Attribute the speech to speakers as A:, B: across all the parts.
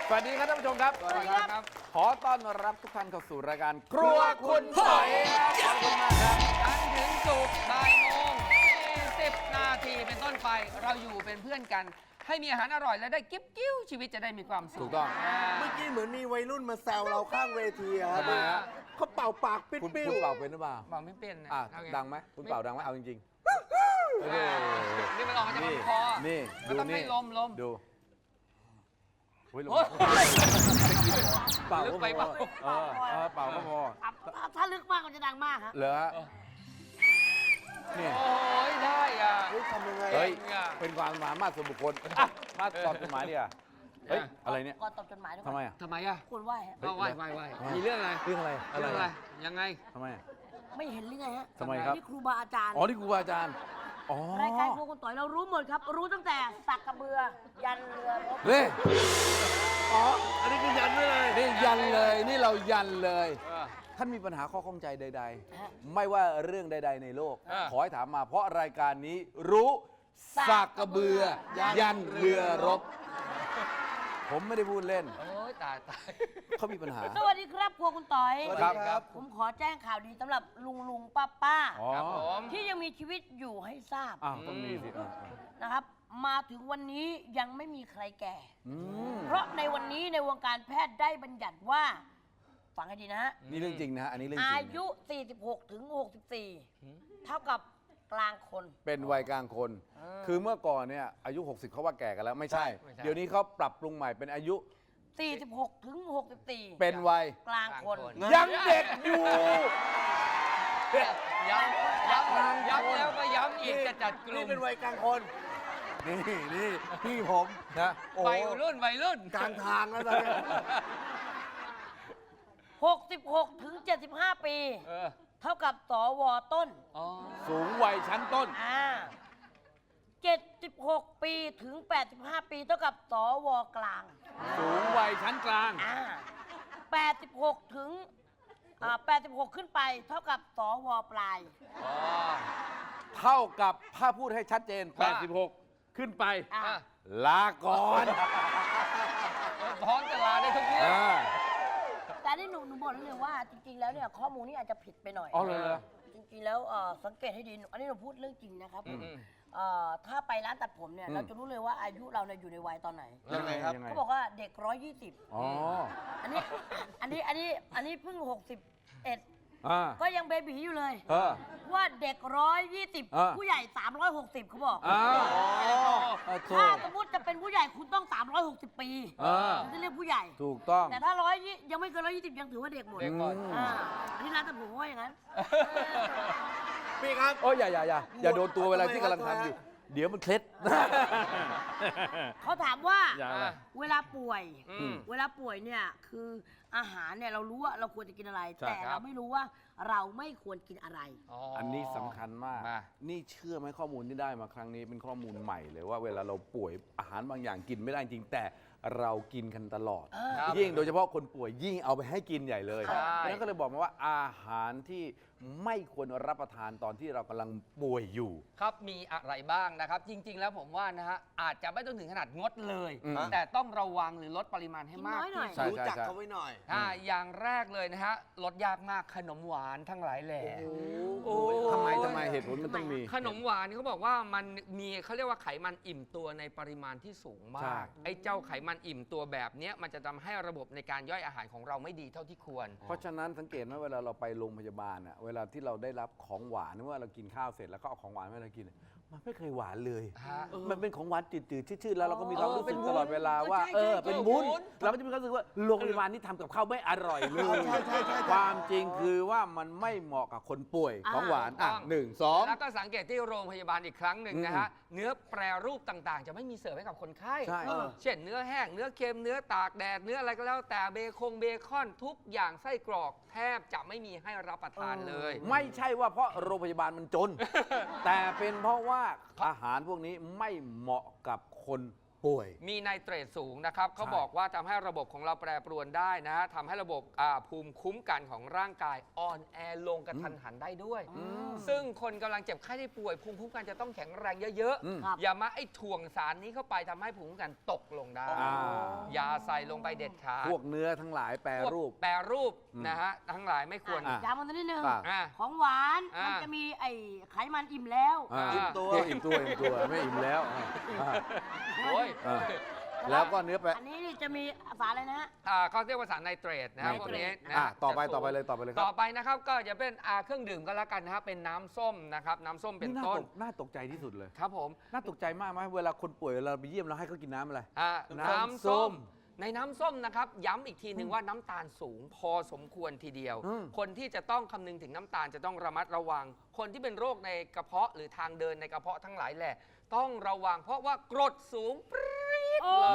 A: สวัสดีครับท่านผู้ชมครับ
B: สวัสดีครับ
A: ขอต้อนรับทุกท่านเข้าสู่รายการครัวคุณปอยขอบคุณมากครับ
B: จันทร์ถึงศุกร์บ่ายโมง20 นาทีเป็นต้นไปเราอยู่เป็นเพื่อนกัน ให้มีอาหารอร่อยและได้กิ๊บกิ้วชีวิตจะได้มีความสุข
A: ถูกต้อง
C: เมื่อกี้เหมือนมีวัยรุ่นมาแซวเราข้างเวทีอะครับ
A: ทำไมฮะ
C: เขาเป่าปากปิด
A: คุณ
C: ปิ้ว
A: เป่าเป็นหรือเปล่า
B: บอกไม่เป็นนะ
A: อ่ะ
B: เอา
A: ดังไหมคุณเป่าดังไหมเอาจริงๆ
B: นี่มันออกมาจากลำคอ
A: นี่
B: มัน
A: ดู
B: ต้อง
A: นี่
B: ให้ลม
A: ดูโอ้ยลม
B: โอ้ย
A: เป่า
B: ลึ
A: ก็
B: กไป
A: พ
B: เป
A: อ
B: ล่า
A: เป่าก็พอ
D: ถ้าลึกมากมันจะดังมากครับ
A: เหรอฮะนี่
B: โอ้ยได้อ่ะ
C: เฮ้ยทำยังไง
A: เฮ้ย
B: เก่งอะ
A: เป็นความสามารถส่วนบุคคลอ่ะมาตอบจดหมายดิอ่ะเฮ้ย อะไรเนี่ย
D: ก่อนตอบจดหมายด้วย
A: ทำไมอ่ะ
B: ทำไมอ่ะ
D: คุณไหว้ฮะ
B: เอาไหว้มีเรื่องอะไร
A: เรื่องอะไร
B: เรื่องอะไรยังไง
A: ทำไมอ่ะ
D: ไม่เห็นหรือไงฮะ
A: ทำไมครับ
D: นี่ครูบาอาจารย์
A: อ๋อ นี่ครูบาอาจารย์ อ๋อ
D: รายการครัวคุณต่อยเรารู้หมดครับ รู้ตั้งแต่สักกระเบือ ยันเรือรบ
A: เฮ้ย
C: อ๋อ อันนี้คือยันไว้เลย
A: นี่ยันเลย นี่เรายันเลย
B: เออ
A: ท่านมีปัญหาข้อข้องใจใด ๆ ไม่ว่าเรื่องใด ๆ ในโลก
B: เออ
A: ขอให้ถามมา เพราะรายการนี้รู้สักกระเบือ ยันเรือรบ ผมไม่ได้พูดเล่น
B: โอ้ยตาย
A: เขามีปัญหา
D: สวัสดีครับครัวคุณต่อย
C: สวัสดีครับ
D: ผมขอแจ้งข่าวดีสำหรับลุงป้า
A: อ๋อ
B: ครับผม
D: ที่ยังมีชีวิตอยู่ให้ทราบ
A: อ้าวต้องมีสิอ่ะ
D: นะครับ มาถึงวันนี้ยังไม่มีใครแก่
A: อืม
D: เพราะในวันนี้ในวงการแพทย์ได้บัญญัติว่า ฟังให้ดีนะฮะ
A: นี่เรื่องจริงนะฮะ อันนี้เรื่องจริง
D: อา
A: นะ
D: ยุ 46 ถึง 64 เท่ากับกลางคน
A: เป็นวัยกลางคน คือเมื่อก่อนเนี่ยอายุ 60เขาว่าแก่กันแล้วไม่ใช่
B: ไม่ใช่
A: เดี๋ยวนี้เขาปรับปรุงใหม่เป็นอายุ
D: 46 ถึง 64
A: เป็นวัย
D: กลางคน
A: ยังเด็กอยู่
B: ย้ำแล้วก็ย้ำอีกจะจัดกลุ่
C: นี่
B: ม
C: เป็นวัยกลางคน
A: นี่พี่ผมนะโอ้โห
B: วัยรุ่น
C: กลางทางแล้วตอนนี้
D: 66 ถึง 75 ปี
B: เออ
D: เท่ากับสวต้น
B: อ๋อ
A: สูงวัยชั้นต้น
D: 76 ปีถึง 85 ปีเท่ากับสวกลาง
A: สูงวัยชั้นกลาง
D: 86 ถึง86 ขึ้นไปเท่ากับสวปลาย
B: อ๋อ
A: เท่ากับถ้าพูดให้ชัดเจน
B: ว่า
A: 86 ขึ้นไป
D: อ่ะ
B: อ่ะ
A: ลาก่อน
B: พร้อมจะลาได้ทุกเรื่อง
A: อ่า
D: แต่นี่หนูบอกได้เลยว่าจริง ๆ แล้วเนี่ยข้อมูลนี่อาจจะผิดไปหน่อย
A: อ๋อเลยเหรอ
D: จริงๆแล้วสังเกตให้ดี อันนี้เราพูดเรื่องจริงนะครับ
B: อืม
D: ถ้าไปร้านตัดผมเนี่ย
A: อืม
D: เราจะรู้เลยว่าอายุเราเนี่ยอยู่ในวัยตอนไหน
C: ยังไงครับ
D: เขาบอกว่าเด็ก 120
A: อ๋อ
D: อันนี้เพิ่ง 61
A: อ่า
D: ก็ยังเบบีอยู่เลย
A: เออ
D: ว่าเด็ก 120 ผู้ใหญ่ 360เขาบอก
A: อ้าวถู
D: ถ้าก สมมติจะเป็นผู้ใหญ่คุณต้อง 360 ปี
A: อ่า
D: ถึงจะเรียกผู้ใหญ่
A: ถูกต้อง
D: แต่ถ้ายังไม่เกิน120 ยังถือว่าเด็กหมด
B: เด็กก่อน
D: อันนี้ร้านตัดผมว่าอย่างนั้น
C: พี่ครับ
A: โอ้ยอย่าโดนตัวเวลาที่กำลังทำอยู่ เดี๋ยวมันเคล็ด
D: เขาถามว่า
A: อย่าอะไร
D: เวลาป่วย
B: อืม
D: เวลาป่วยเนี่ยคืออาหารเนี่ยเรารู้ว่าเราควรจะกินอะไร
A: ใช่
D: แต่
B: ครั
D: เรา
B: บ
D: ไม่รู้ว่าเราไม่ควรกินอะไร
A: อันนี้สำคัญมาก
B: มา
A: นี่เชื่อไหมข้อมูลที่ได้มาครั้งนี้เป็นข้อมูลใหม่เลยว่าเวลาเราป่วยอาหารบางอย่างกินไม่ได้จริงแต่เรากินกันตลอด
B: ครับ
A: ยิ่งโดยเฉพาะคนป่วยยิ่งเอาไปให้กินใหญ่เลย
B: ใช่
A: เพราะฉะนั้นก็เลยบอกมาว่าอาหารที่ไม่ควรรับประทานตอนที่เรากำลังป่วยอยู่
B: ครับมีอะไรบ้างนะครับ จริง ๆ แล้วผมว่านะฮะอาจจะไม่ต้องถึงขนาดงดเลย
A: อืม
B: แต่ต้องระวังหรือลดปริมาณให้มาก
D: กินน้อยหน่อย
B: ที่
A: ใช่
B: สุด
C: รู้จักเขาไว้หน่อย
B: อย่างแรกเลยนะฮะลดยากมากขนมหวานทั้งหลายแหล่
C: โอ้ย
A: ทำไมเหตุผลมันต้องมี
B: ขนมหวานนี่เขาบอกว่ามันมีเขาเรียกว่าไขมันอิ่มตัวในปริมาณที่สูงมา
A: ใช่
B: ก ไอ้เจ้าไขมันอิ่มตัวแบบเนี้ยมันจะทำให้ระบบในการย่อยอาหารของเราไม่ดีเท่าที่ควร
A: เพราะฉะนั้นสังเกตไหมเวลาเราไปโรงพยาบาลอะเวลาที่เราได้รับของหวานเมื่อเรากินข้าวเสร็จแล้วก็เอาของหวานให้เรากิน มันไม่เคยหวานเลย
B: ฮะ
A: มันเป็นของหวานจืดๆชืดๆแล้วเราก็มีความรู้สึก
B: เป็นวุ้
A: ต
B: น
A: ลอดเวลาว่า
B: ใช่ๆ
A: เป็นวุ้น
B: วุ้น
A: เราก็จะมีความรู้สึกว่าโรงพยาบาลนี่ทำกับข้าวไม่อร่อยเลยความจริงคือว่ามันไม่เหมาะกับคนป่วยของหวานอ่ะ
B: ต้อง
A: หนึ่งสอง
B: แล้วก็สังเกตที่โรงพยาบาลอีกครั้งหนึ่งนะฮะเนื้อแปรรูปต่างๆ จะไม่มีเสิร์ฟให้กับคนไข้
A: ใช่
B: เช่นเนื้อแห้งเนื้อเค็มเนื้อตากแดดเนื้ออะไรก็แล้วแต่เบคอนทุกอย่างไส้กรอกแทบจะไม่มีให้รับประทานเลย
A: ไม่ใช่ว่าเพราะโรงพยาบาลมันจน แต่เป็นเพราะว่าอาหารพวกนี้ไม่เหมาะกับคน
C: ป่วย
B: มีไนเตรตสูงนะครับเขาบอกว่าทำให้ระบบของเราแปรปรวนได้นะฮะทำให้ระบบภูมิคุ้มกันของร่างกายอ่อนแอลงกระทันหันได้ด้วย ซึ่งคนกำลังเจ็บไข้ได้ป่วยภูมิคุ้มกันจะต้องแข็งแรงเยอะ
D: ครับ
B: ๆอย่ามาไอ้ถ่วงสารนี้เข้าไปทำให้ภูมิคุ้มกันตกลงได้ อย่าใส่ลงไปเด็ดขาด
A: พวกเนื้อทั้งหลายแปรรูป
B: แปรรูปนะฮะทั้งหลายไม่ควร
A: อ่ะ
D: ย้ำกันนิดนึง
A: อ่ะ
D: ของหวาน
B: อ่ะ
D: มันจะมีไอ้ไขมันอิ่มแล้ว
A: อิ่มตัวอิ่มตัวไม่อิ่มแล้ว
B: โอ้ย
A: แล้วก็เนื้อแปร
D: อันนี้นี่จะมีสารอะไรนะฮะ
B: เขาเรียกว่าสารไนเตรตนะครับ
D: ไน
B: พวก
D: เตรต
B: นี้นะ
A: ต่อไป
B: จะสูง
A: ต่อไปเลยครับ
B: ต่อไปนะครับก็จะเป็นเครื่องดื่มก็แล้วกันนะครับเป็นน้ำส้มนะครับน้ำส้มเป็นต้น
A: น่าตกใจที่สุดเลย
B: ครับผม
A: น่าตกใจมากไหมเวลาคนป่วยเราไปเยี่ยมเราให้เขากินน้ำอะไร
B: น้ำส้มในน้ำส้มนะครับย้ำอีกทีหนึ่งว่าน้ำตาลสูงพอสมควรทีเดียว คนที่จะต้องคำนึงถึงน้ำตาลจะต้องระมัดระวัง คนที่เป็นโรคในกระเพาะหรือทางเดินในกระเพาะทั้งหลายแหละต้องระวังเพราะว่ากรดสูงปรี๊ดเลย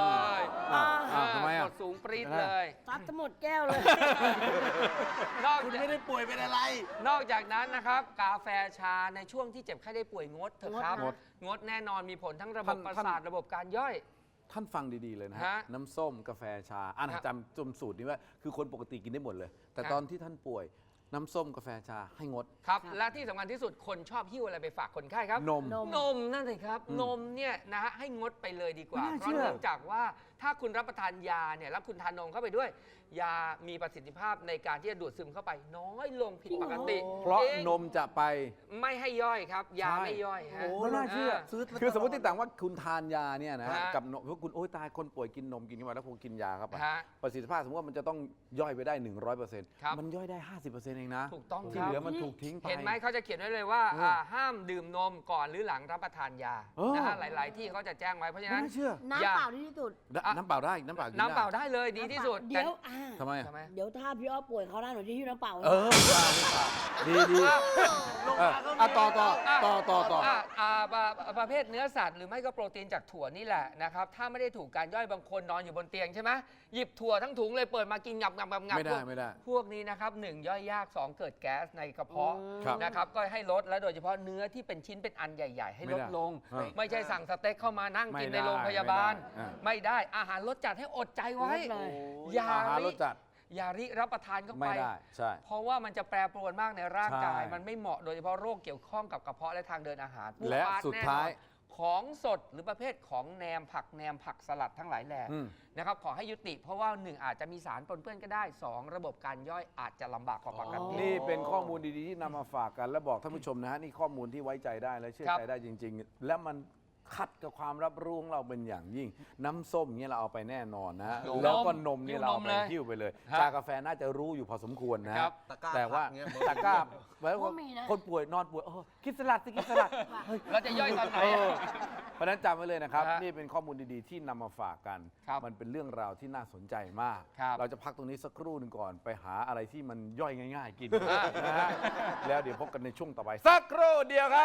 A: ทำไม
B: ก
A: อ่ะ
B: รดสูงปรี๊ดเลย
D: ซัดทั้งหมดแก้วเลย
B: นอก
C: คุณ
B: จาก
C: ไม่ได้ป่วยเป็นอะไร
B: นอกจากนั้นนะครับกาแฟชาในช่วงที่เจ็บไข้ได้ป่วยงดเถอะครับ งดแน่นอนมีผลทั้งระบบประสาทระบบการย่อย
A: ท่านฟังดีๆเลยนะฮะ
B: ฮะ
A: น้ำส้มกาแฟชาจำสูตรนี้ว่าคือคนปกติกินได้หมดเลย แต่ตอนที่ท่านป่วยน้ำส้มกาแฟชาให้งด
B: ครับและที่สำคัญที่สุดคนชอบหิ้วอะไรไปฝากคนไข้ครับ
A: นม
B: นมนั่นสิครับนมเนี่ยนะฮะให้งดไปเลยดีกว่า
A: ไม่น่า
B: เพ
A: เชื่
B: ราะ
A: อ
B: เนื่องจากว่าถ้าคุณรับประทานยาเนี่ยแล้วคุณทานนมเข้าไปด้วย ยามีประสิทธิภาพในการที่จะดูดซึมเข้าไปน้อยลงผิดปกติ
A: เพราะ
B: จง
A: นมจะไป
B: ไม่ให้ย่อยครับ ยา
A: ใช่
B: ไม่ย่อยฮะ
A: ไม่น่าเชื่อ
C: ซื้อ
A: คือสมมติต่างว่าคุณทานยาเนี่ยนะ
B: ฮะ
A: กับนมเพราะคุณโอ๊ยตายคนป่วยกินนมกินเข้าไปแล้วคงกินยาเข้าไป
B: ฮะ
A: ประสิทธิภาพสมมติว่ามันจะต้องย่อยไปได้ 100%
B: ครับ
A: มันย่อยได้ 50%เองนะ
B: ถูกต้อง
A: ที่
B: ครับ
A: เหลือมันถูกทิ้งไป
B: เห็นไหมเขาจะเขียนไว้เลยว่าห้ามดื่มนมก่อนหรือหลังรับประทานยา
A: เออ
B: นะฮะหลาย ๆ ที่เขาจะแจ้งไว้เพราะฉะ
A: ไม่
B: นั้น
A: น่าเชื่อ
D: น้ำเปล่าที่ที่สุด
A: น้ำเปล่าได้น้ำเปล่ากิน
B: น้ำเปล่า
A: ได้
B: ได้เลยดีที่สุด
D: เดี๋ยว
A: ทำไมอะ
B: ทำไม
D: เดี๋ยวถ้าพี่อ้อป่วยเขาได้หนูจะหิ้วน้ำเปล่า
A: เออดีต่อ
B: ประเภทเนื้อสัตว์หรือไม่ก็โปรตีนจากถั่วนี่แหละนะครับถ้าไม่ได้ถูกการย่อยบางคนนอนอยู่บนเตียงใช่ไหมหยิบถั่วทั้งถุงเลยเปิดมากินงับ
A: ไม่ได้
B: พวกนี้นะครับ1ย่อยยาก2เกิดแก๊สในกระเพาะ
A: ครับ
B: นะครับก็ให้ลดและโดยเฉพาะเนื้อที่เป็นชิ้นเป็นอันใหญ่ ๆ ให้ลดลง
A: ไม่ได้
B: ไม่ใช่สั่งสเต็กเข้ามานั่งกิน
A: ไม่ได้
B: ในโรงพยาบาล
A: ไม่ได้
B: ไม่ได้อาหารรสจัดให้อดใจไว้
D: ลดเลย
B: อย่า
A: อาหารรสจัด
B: อย่าริรับประทานเข้าไป
A: ไม่ได้ใช่
B: เพราะว่ามันจะแปรปรวนมากในร่างกาย
A: ใช่
B: มันไม่เหมาะโดยเฉพาะโรคเกี่ยวข้องกับกระเพาะและทางเดินอาหารพวก
A: และ
B: ฟาสต์
A: สุด
B: แน่นอน
A: ท้าย
B: ของสดหรือประเภทของแหนมผักสลัดทั้งหลายแหล่
A: อืม
B: นะครับขอให้ยุติ เพราะว่า 1 อาจจะมีสารปนเปื้อนก็ได้ 2 ระบบการย่อยอาจจะลำบากกว่าปกติ
A: นี่เป็นข้อมูลดีๆที่นำมาฝากกันและบอกท่านผู้ชมนะฮะนี่ข้อมูลที่ไว้ใจได้และเชื่อ
B: ครับ
A: ใจได้จริง ๆ และมันขัดกับความรับรู้ของเราเป็นอย่างยิ่ง น้ำส้มเนี่ยเราเอาไปแน่นอนนะฮะ
B: นม
A: แล้วก็นมเนี่ยเราเอาไป
B: เลย
A: หิ้วไปเลย
B: ฮะ
A: ชากาแฟน่าจะรู้อยู่พอสมควรนะ
B: ครั
A: ฮะ
B: บ
A: แต่ว่า
C: เงี้ย
A: ตะกร้าไว้
D: ก็มีนะ
A: คนป่วยนอนป่วยกินสลัดสิกินสลัดเฮ้ย
B: เราจะย่อยตอนไหน
A: เออเพราะฉะนั้นจำไว้เลยนะครับ
B: ฮะ
A: นี่เป็นข้อมูลดีๆที่นำมาฝากกัน
B: ครับ
A: มันเป็นเรื่องราวที่น่าสนใจมาก
B: ครับ
A: เราจะพักตรงนี้สักครู่หนึ่งก่อนไปหาอะไรที่มันย่อยง่าย ๆ กิน
B: อ่ะ
A: นะฮะแล้วเดี๋ยวพบกันในช่วงต่อไป สักครู่เดียวครับ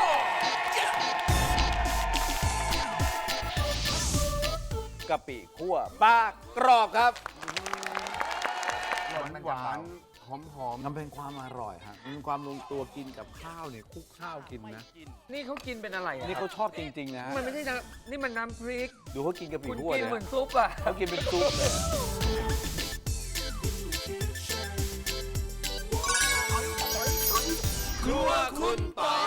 A: กะปิคั่วปลากรอบครับ
C: หวานหอม
A: มันเป็นความอร่อยฮะมันเป็นความลงตัวกินกับข้าวเนี่ยคลุกข้าวกินนะ
B: นี่เขากินเป็นอะไรอะ
A: นี่เขาชอบจริง ๆ นะฮะ
B: มันไม่ใช่น้ำนี่มันน้ำพริก
A: ดูเขากินกะปิ
B: คุณ
A: คั่ว
B: กิน
A: เนี่ย
B: เหมือนซุปอ่ะ
A: เขากินเป็นซุปเลย ครัวคุณปอย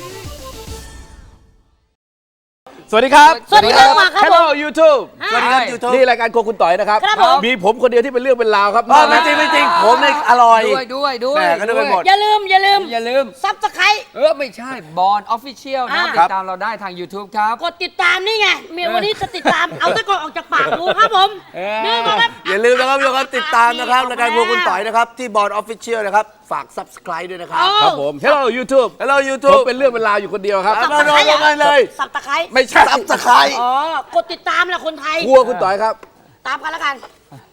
A: สวัสดีครับ
D: สวัสดีครับครับ
A: Hello YouTube
D: สวัสดีครับ
C: YouTube
A: นี่รายการครัวคุณต่อยนะครับ
D: ครับผม
A: มีผมคนเดียวที่เป็นเรื่องเป็นราวครับ
C: ไม่จริงไม่จริงผมเนี่ยอร่อย
B: ด้วย
C: แหม่ก็นึกไปหมด
D: อย่าลืม
B: อย่าลืม
D: ซับสไครต์
B: ไม่ใช่บอลออฟฟิเชียลนะ
D: อ่า
B: ติดตามเราได้ทาง YouTube ครับ
D: กดติดตามนี่ไงเมียวันนี้จะติดตาม เอาตะกอนออกจากปากกูครับผมนี่ก็ครับ
C: อย่าลืมนะครับทุกคนติดตามนะครับรายการครัวคุณต่อยนะครับ ที่บอร์ดออฟฟิเชียลนะครับ ฝาก subscribe ด้วยนะครับ
A: ครับผม Hello YouTube
C: Hello
A: ผม
C: YouTube
A: เป็นเรื่องเป็นราวอยู่คนเดียวครับ
C: มาโดนกันเลย
D: สับตะไคร้
A: ไม่ใช่
C: subscribe
D: อ๋อ กดติดตามแหละคนไทย
A: ครัวคุณต่อยครับ
D: ตามกันแล้วกัน